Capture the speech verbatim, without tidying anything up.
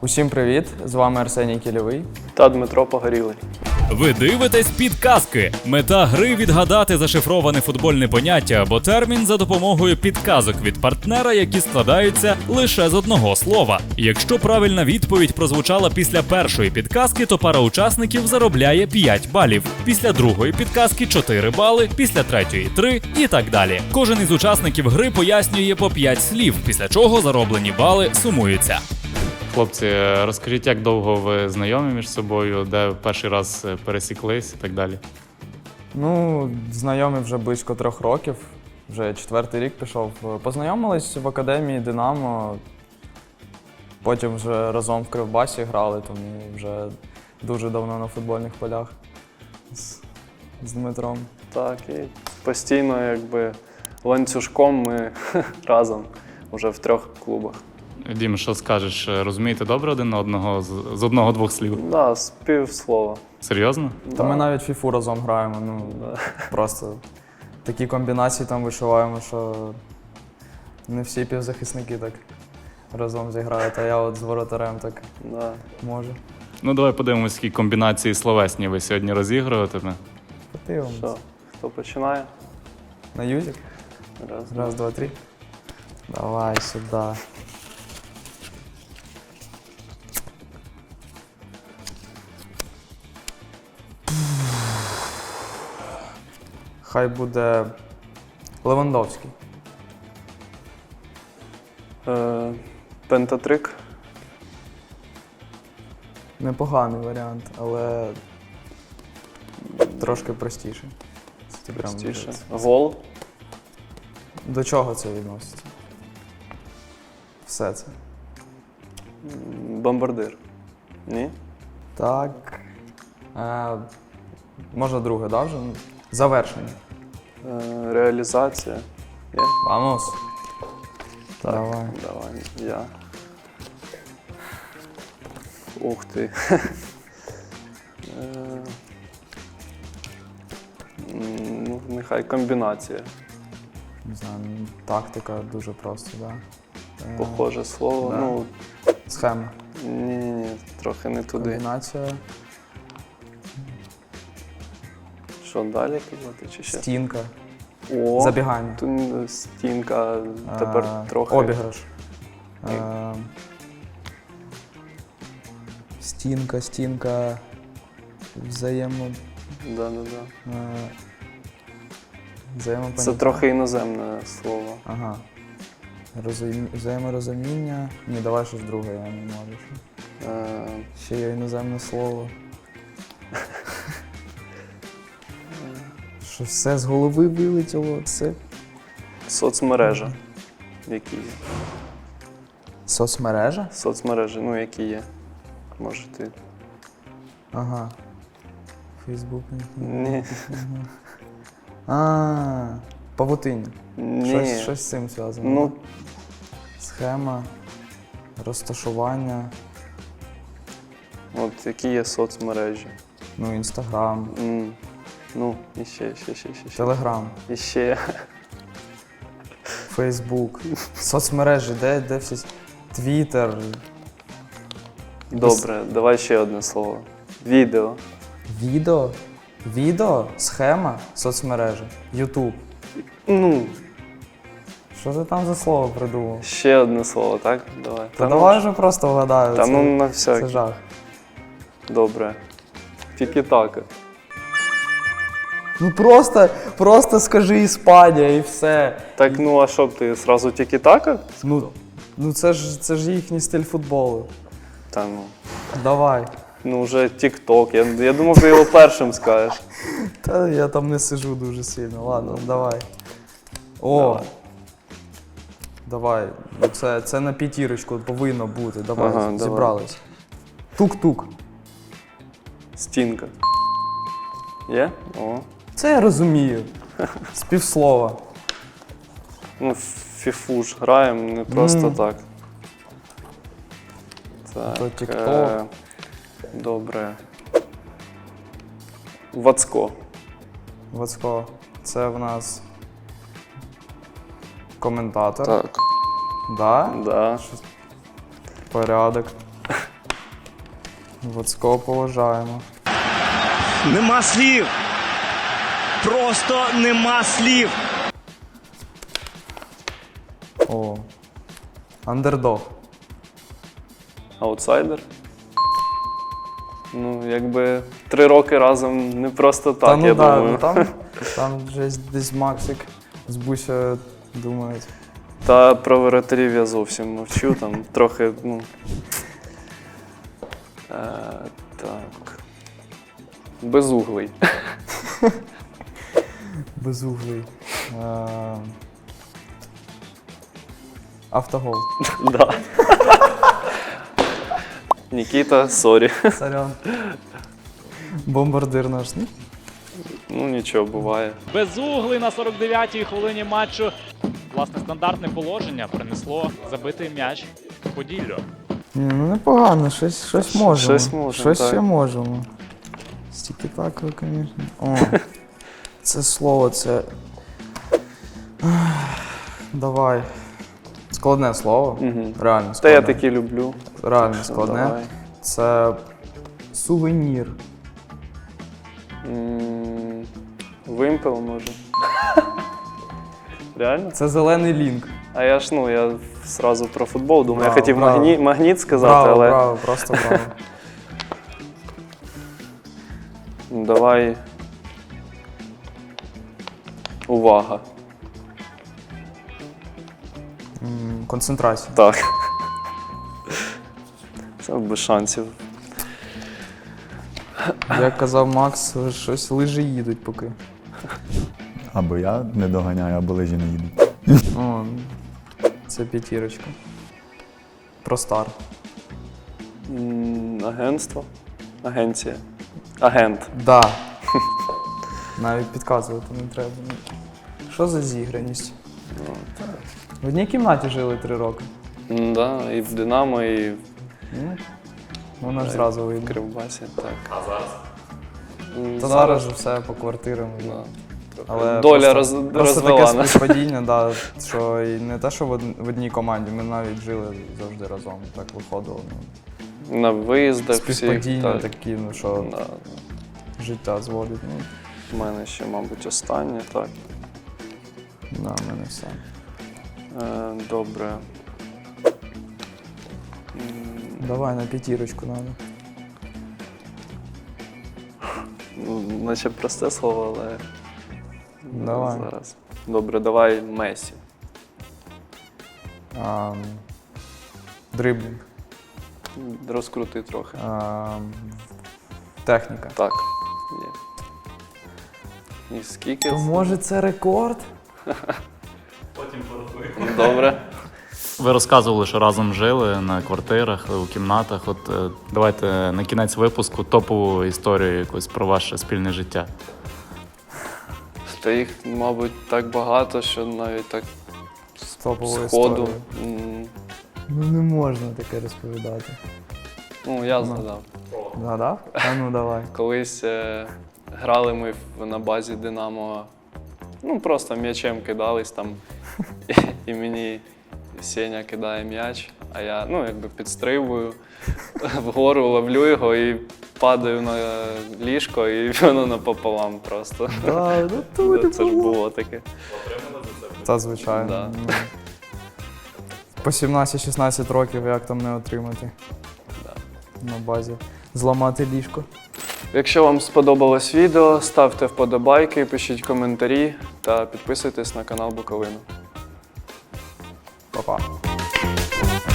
Усім привіт! З вами Арсеній Кільовий та Дмитро Погорілий. Ви дивитесь підказки. Мета гри – відгадати зашифроване футбольне поняття або термін за допомогою підказок від партнера, які складаються лише з одного слова. Якщо правильна відповідь прозвучала після першої підказки, то пара учасників заробляє п'ять балів. Після другої підказки – чотири бали, після третьої – три і так далі. Кожен із учасників гри пояснює по п'ять слів, після чого зароблені бали сумуються. Хлопці, розкажіть, як довго ви знайомі між собою, де перший раз пересіклись і так далі? Ну, знайомі вже близько трьох років, вже четвертий рік пішов. Познайомились в академії «Динамо», потім вже разом в Кривбасі грали, тому вже дуже давно на футбольних полях з, з Дмитром. Так, і постійно якби ланцюжком ми разом вже в трьох клубах. Дім, що скажеш, розумієте добре один одного з, з одного-двох слів? Так, да, з півслова. Серйозно? Та Да. ми навіть фіфу разом граємо, ну Да. просто такі комбінації там вишиваємо, що не всі півзахисники так разом зіграють, а я от з воротарем так Да. можу. Ну, давай подивимось, які комбінації словесні ви сьогодні розігруєте. Подивимось. Що, хто починає? На юзик? Раз, Раз, два, три. Давай сюди. Хай буде Левандовський. Е, пентатрик. Непоганий варіант, але трошки простіше. Це прям Простіше. дуже- Гол. До чого це відноситься? Все це. М, Бомбардир. Ні? Так. Е, можна друге, да, вже? Завершення. Е, реалізація. Є? Вамос. Так, Давай. давай, я. Ух ти. Е, м, Ну, нехай комбінація. Не знаю, ну, тактика дуже просто, так. Да. Е, Похоже слово. да. Ну, Схема. ні-ні-ні, трохи не туди. Комбінація. Що далі казати чи ще? Стінка. О, Забігання. тут м, стінка, тепер Е, трохи. Обіграш. Е, Стінка, стінка. Взаємо. Да-да-да. е, Взаємопоняття. Це трохи іноземне слово. Ага. Розумі... Взаєморозуміння. Ні, давай щось друге, я не можу. Е, Ще є іноземне слово. Що все з голови вилетіло, це Соцмережа. Які є? соцмережа? Соцмережі, ну які є. Може ти. Ага. Фейсбук. Ні. А, павутиння. Ні. Щось, щось з цим зв'язано. Ну, Схема, розташування, от які є соцмережі. ну, інстаграм, М, Ну, і ще, ще, ще, ще. ще. телеграм, І ще. фейсбук, соцмережі, де, де всі. Твіттер, Добре, давай ще одне слово. Відео. відео, відео, схема, соцмережі, Ютуб. Ну, Що ти там за слово придумав? ще одне слово, так? Давай. Та давай вже просто вгадаю. Та це, ну на це всяк. жах. Добре. Тільки-така. Ну просто, просто скажи Іспанія і все. Так, ну а що б ти, зразу тільки-така? Ну, ну це ж це ж їхній стиль футболу. Та ну. Давай. Ну вже тік-ток. Я, я думав, ти його першим скажеш. Та я там не сижу дуже сильно. Ладно, давай. О! Давай. Давай. Ну, Це, це на п'ятірочку повинно бути. Давай, Ага, давай. зібрались. Тук-тук. Стінка. Є? О. Це я розумію. З півслова. Ну, в фіфу ж граємо, не просто Мгм. так. Так. То тік-ток. е, Добре. Вацко. Вацько. Це в нас коментатор. Так. Да? Да. Порядок. Вацько поважаємо. Нема слів. Просто нема слів. О. Андердог. Аутсайдер. Ну, якби три роки разом не просто так, Та ну я да, думаю. ну там, там вже десь Максик з Буся думають. Та про воротарів я зовсім мовчу, там трохи, ну. Е, так. Безуглий. Безуглий. Е, Автогол. Да. Нікіта, сорі. Сорян. Бомбардир наш, ні? Ну нічого, буває. Безуглий на сорок дев'ятій хвилині матчу. Власне, стандартне положення принесло забитий м'яч Поділлю. Ні, ну непогано, щось, щось можемо. щось можемо, Щось так. ще можемо. Стільки так, звісно. О, це слово, це. Ах, давай. Складне слово. Мгм. Реально Та складне. я такі люблю. Реально Ну, складне. давай. Це сувенір. М, Вимпел, може. Реально? Це зелений лінк. А я ж, ну, я зразу про футбол думаю. Браво, я хотів браво. магні... магніт сказати, Браво, але. браво, просто браво. Ну, давай. Увага. М, Концентрація. Так. Це без шансів. Як казав Макс, щось лижі їдуть поки. Або я не доганяю, або лижі не їдуть. О, це п'ятірочка. Про стар. М, Агентство. Агенція. Агент. Да. Навіть підказувати не треба. Що за зіграність? В одній кімнаті жили три роки. М, Да, і в Динамо, і в Ну, вона ж зразу в вийде. Кривбасі. Так. А зараз? Та зараз же все по квартирам. Да. Але Доля просто, роз... просто розвела таке нас. співпадіння, да, що і не те, що в од- в одній команді, ми навіть жили завжди разом. Так виходило. Ну, На виїздах всіх. співпадіння Так. такі, ну що Да. життя зводить. Ну, У мене ще, мабуть, останнє, так. да, в мене все. Е, добре. М, Давай на п'ятірочку надо. Ну, наче просте слово, але. Давай. Зараз. Добре, давай Месі. А, дриблінг. Розкрути трохи. А, техніка. Так. Є. І скільки? То це? може це рекорд? Добре. Ви розказували, що разом жили на квартирах, у кімнатах. От е, давайте на кінець випуску топову історію якусь про ваше спільне життя. Та їх, мабуть, так багато, що навіть так З топової сходу. історії. м, Ну не можна таке розповідати. Ну, я згадав. Згадав? А ну давай. Колись е, грали ми в- на базі Динамо, ну просто м'ячем кидались там, і, і мені Сеня кидає м'яч, а я ну, якби підстрибую вгору, ловлю його і падаю на ліжко, і воно напополам просто. Да, ну то не Це ж було. було таке. Та звичайно. Да. Ну, по сімнадцять-шістнадцять років як там не отримати. На базі. Зламати ліжко. Якщо вам сподобалось відео, ставте вподобайки, пишіть коментарі та підписуйтесь на канал Буковину. Па-па.